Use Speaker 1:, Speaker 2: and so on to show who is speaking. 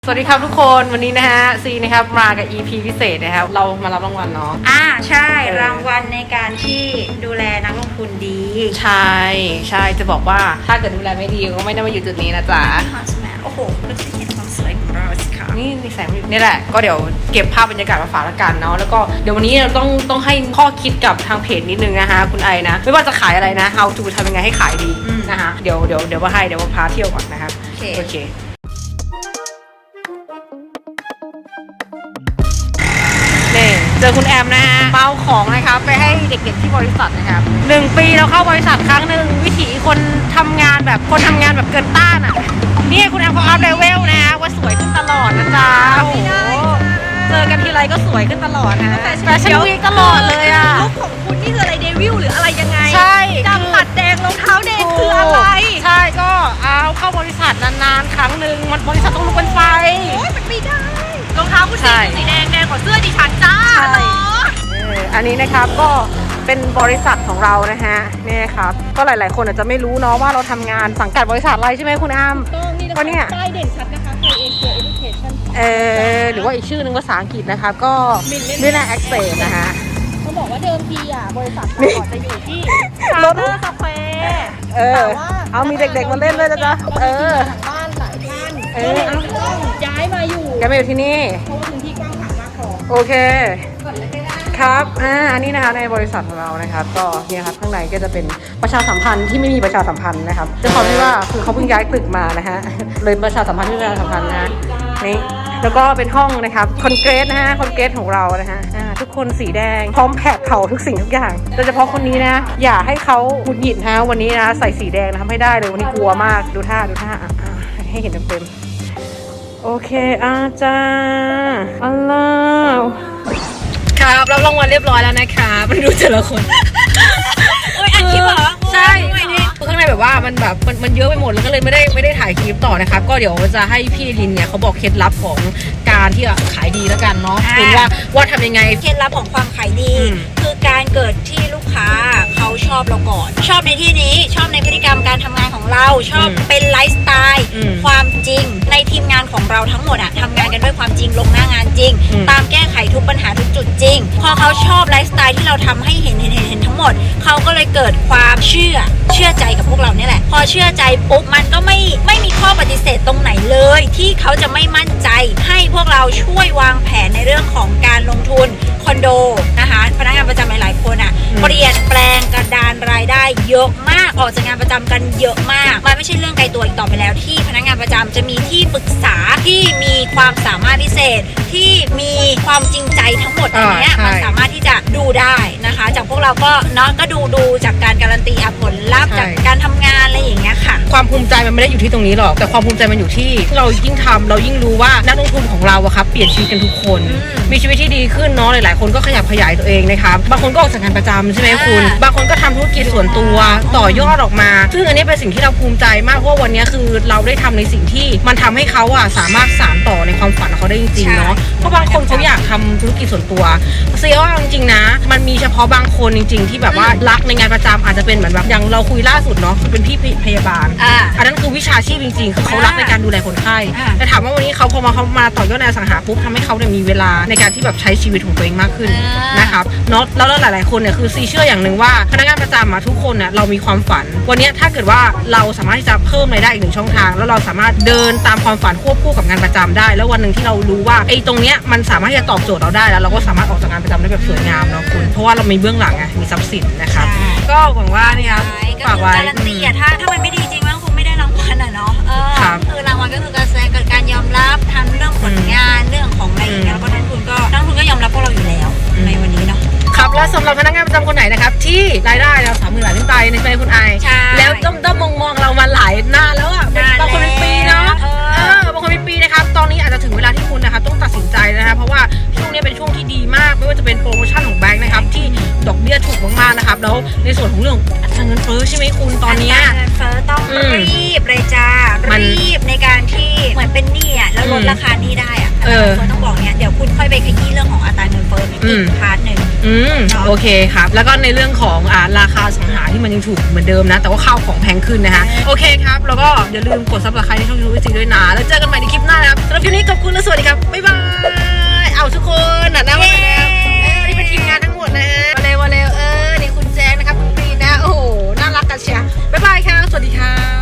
Speaker 1: สวัสดีครับทุกคนวันนี้นะฮะซีนะครับมากับ EP พิเศษนะครับเรามารับรางวัลเนาะ
Speaker 2: ใช่รางวัลในการที่ดูแลนักลงทุนดี
Speaker 1: ใช่จะบอกว่าถ้าเกิดดูแลไม่ดีก็ไม่ได้มาอยู่จุดนี้นะจ๊ะ
Speaker 2: โอ้โหก็จะเห็นความสวยของเราสิคะ
Speaker 1: นี่แสงนี่แหละก็เดี๋ยวเก็บภาพบรรยากาศมาฝากละกันเนาะแล้วก็เดี๋ยววันนี้เราต้องให้ข้อคิดกับทางเพจนิดนึงนะคะคุณไอนะไม่ว่าจะขายอะไรนะ how to ทำยังไงให้ขายดีนะคะเดี๋ยวมาพาเที่ยวก่อนนะครับโอเคนี่เจอคุณแอมนะฮะเมาของนะครับไปให้เด็กๆที่บริษัทนะครับ1 ปีเราเข้าบริษัทครั้งหนึ่งวิถีคนทำงานแบบเกินต้านอ่ะนี่คุณแอมเขาอัพเลเวลนะว่าสวยขึ้นตลอดนะจ๊ะโอ้โหเจอกันทีไรก็สวยขึ้นตลอดนะแฟชั่นวีคตลอดเลยอ่ะ
Speaker 2: ลุคของคุณนี่คืออะไรเดวิลหรืออะไรยังไง
Speaker 1: ใช่
Speaker 2: ดำปัดแดงรองเท้าแดงคืออะไร
Speaker 1: ใช่ก็เอาเข้าบริษัทนานๆครั้งหนึ่งมันบริษัทต้องลุกเป็นไฟ
Speaker 2: โอ้ยมันไม่ได้รองเท้าคุณสีแดงกว่าเสื้อดิฉันจ้า
Speaker 1: อันนี้นะครับก็เป็นบริษัทของเรานะฮะนี่ครับก็หลายๆคนอาจจะไม่รู้เนาะว่าเราทำงานสังกัดบริษัทอะไรใช่ไหมคุณอ้ำ
Speaker 2: ก็เนี่ยป้ายเด่นชัดนะคะไทยเอเชียเอดูเคชั่น
Speaker 1: หรือว่าอีกชื่อนึงภาษาอังกฤษนะครับก็มิลเลนแอคเซสนะฮะ
Speaker 2: เขาบอกว่าเดิมทีบริษัทเราจะอยู่ที่รถคาเฟ่แต่ว่า
Speaker 1: เอามีเด็กๆมาเล่นด้วยจ้ะ
Speaker 2: บ้านหลายท่านต้องย้ายมาอยู่
Speaker 1: ที่นี่
Speaker 2: เพราะว่าพื้นที่กว้างขวางมากพอ
Speaker 1: โอเคครับอันนี้นะคะในบริษัทของเรานะครับก็เนี่ยครับข้างในก็จะเป็นประชาสัมพันธ์ที่ไม่มีประชาสัมพันธ์นะครับจะความที่ว่าคือเขาเพิ่งย้ายตึกมานะฮะเลยประชาสัมพันธ์ที่ประชาสัมพันธ์นะนี่แล้วก็เป็นห้องนะครับคอนเกรสนะฮะคอนเกรสของเรานะฮะทุกคนสีแดงพร้อมแผดเผาทุกสิ่งทุกอย่างโดยเฉพาะคนนี้นะอย่าให้เขาหงุดหงิดฮะวันนี้นะใส่สีแดงนะทำให้ได้เลยวันนี้กลัวมากดูท่าให้เห็นเต็มโอเคอาจารย์อัลลอฮ์ครับรับรางวัลเรียบร้อยแล้วนะครับมันดูแต่ละคน
Speaker 2: อันคลิปเหรอ
Speaker 1: ใช่ข้างในแบบว่ามันเยอะไปหมดแล้วก็เลยไม่ได้ถ่ายคลิปต่อนะครับก็เดี๋ยวจะให้พี่ลินเนี่ยเขาบอกเคล็ดลับของการที่ขายดีแล้วกันเนาะคือว่าทำยังไง
Speaker 2: เคล็ดลับของความขายดีคือการเกิดที่ลูกค้าเขาชอบเราก่อนชอบในที่นี้ชอบในพฤติกรรมการทำงานของเราชอบเป็นไลฟ์สไตล์ความจริงในทีมงานของเราทั้งหมดอะทำงานกันด้วยความจริงลงหน้างานจริงตามแก้ไขทุกปัญหาทุกจุดจริงพอเขาชอบไลฟ์สไตล์ที่เราทำให้เห็นทั้งหมดเขาก็เลยเกิดความเชื่อใจกับพวกเราเนี่ยแหละพอเชื่อใจปุ๊บมันก็ไม่มีข้อปฏิเสธตรงไหนเลยที่เขาจะไม่มั่นใจให้พวกเราช่วยวางแผนในเรื่องของการลงทุนคอนโดนะคะพนักงานประจำหลายๆคนเปลี่ยนแปลงกระดานรายได้เยอะมากออกจากงานประจำกันเยอะมากมันไม่ใช่เรื่องไกลตัวอีกต่อไปแล้วที่พนักงานประจำจะมีที่ปรึกษาที่มีความสามารถพิเศษที่มีความจริงใจทั้งหมดอันนี้มันสามารถที่จะดูได้นะคะจากพวกเราก็เนาะก็ดูจากการการันตีผลลัพธ์จากการทำงานอะไรอย่างเงี้ยค่ะ
Speaker 1: ความภูมิใจมันไม่ได้อยู่ที่ตรงนี้หรอกแต่ความภูมิใจมันอยู่ที่เรายิ่งทำเรายิ่งรู้ว่านักลงทุนของเราอะครับเปลี่ยนชีวิตกันทุกคนมีชีวิตที่ดีขึ้นเนาะหลายๆคนก็ขยับขยายตัวเองนะครับบางคนก็ออกจากงานประจำใช่ไหมคุณบางคนก็ทำธุรกิจส่วนตัวต่อยอดออกมาซึ่งอันนี้เป็นสิ่งที่เราภูมิใจมากเพราะวันนี้คือเราได้ทำในสิ่งที่มันทำให้เขาอะสามารถสานต่อในความฝันของเขาได้จริงๆเนาะเพราะบางคนเขาอยากทำธุรกิจส่วนตัวเสียว่าจริงๆนะมันมีเฉพาะบางคนจริงๆที่แบบว่ารักในงานประจำอาจจะเป็นเหมือนแบบอย่างเราคุยล่าสุดเนาะคือเป็นพี่พยาบาลอันนั้นคือวิชาชีพจริงๆคือเขารักในการดูแลคนไข้แต่ถามว่าวันนี้เขาพอมาต่อยอดในอสังหาปุ๊บทำให้เขาเนี่ยมีเวลาในการที่แบบใช้ชีวิตของตัวเองมากขึ้นนะครับเนาะแล้วหลายๆคนเนี่ยคือซีเชื่ออย่างหนึ่งว่าพนักงานประจำทุกคนเนี่ยเรามีความฝันวันนี้ถ้าเกิดว่าเราสามารถที่จะเพิ่มรายได้อีก1 ช่องทางแล้วเราสามารถเดินตามความฝันควบคู่กับงานประจำได้แล้ววันหนึ่งที่เรารู้ว่าไอ้ตรงเนี้ยมันสามารถที่จะตอบโจทย์เราได้แล้วเราก็สามารถออกจากงานประจำได้แบบสวยงามเนาะคุณเพราะว่าเรามีเบื้องหลังมีทรัพย์สินนะครับก็หวังว่านี่ครับ
Speaker 2: ฝากไว้การันตีถ้ามันไม่ดีจริงมันคงไม่ได้รางวัลเนาะคือรางวัลก็คืการยอมรับทั้งเรื่องผลงานเรื่องของอะไรอย่างเงี้ยแล้วก็นักทุนก็ยอมรับพวกเราอยู่แล้วในวันนี้เนาะ
Speaker 1: ครับและสำหรับพนักงานประจำคนไหนนะครับที่รายได้เรา30,000 บาทขึ้นไปในคุณไอแล้วต้องมองเรามาหลายนานแล้วอ่ะบางคนเป็นปีเนาะบางคนเป็นปีนะครับตอนนี้อาจจะถึงเวลาที่คุณนะครับต้องตัดสินใจนะครับเพราะว่าช่วงนี้เป็นช่วงที่ดีมากไม่ว่าจะเป็นโปรโมชั่นของแบงค์นะครับที่ดอกเบี้ยถูกมากๆนะครับแล้วในส่วนของเรื่องอัตราเงินเฟ้อใช่ไหมคุณตอนนี้
Speaker 2: เงินเฟ้อต้องรีบเลยจ้ารีบในการที่เหมือนเป็นหนี้แล้วลดราคาหนี้ได้เงินเฟ้อต้องบอกเนี่ยเดี๋ยวคุณค่อยไปขยี้เรื่องของอัตราเงินเฟ้ออีกพาร์ทหนึ่ง
Speaker 1: โอเคครับแล้วก็ในเรื่องของราคาสังหาที่มันยังถูกเหมือนเดิมนะแต่ว่าข้าวของแพงขึ้นนะคะโอเคครับแล้วก็อย่าลืมกด Subscribe ในช่อง YouTube ด้วยนะแล้วเจอกันใหม่ในคลิปหน้านะครับสำหรับคลิปนี้ขอบคุณและสวัสดีครับบ๊ายบายเอาทุกคนนั่งมาแล้วนี่เป็นทีมงานทั้งหมดนะฮะมาเร็วนี่คุณแจ๊คนะครับคุณปีนะโอ้โหน่ารักกันเชียร์บ๊ายบายครับสวัสดีครับ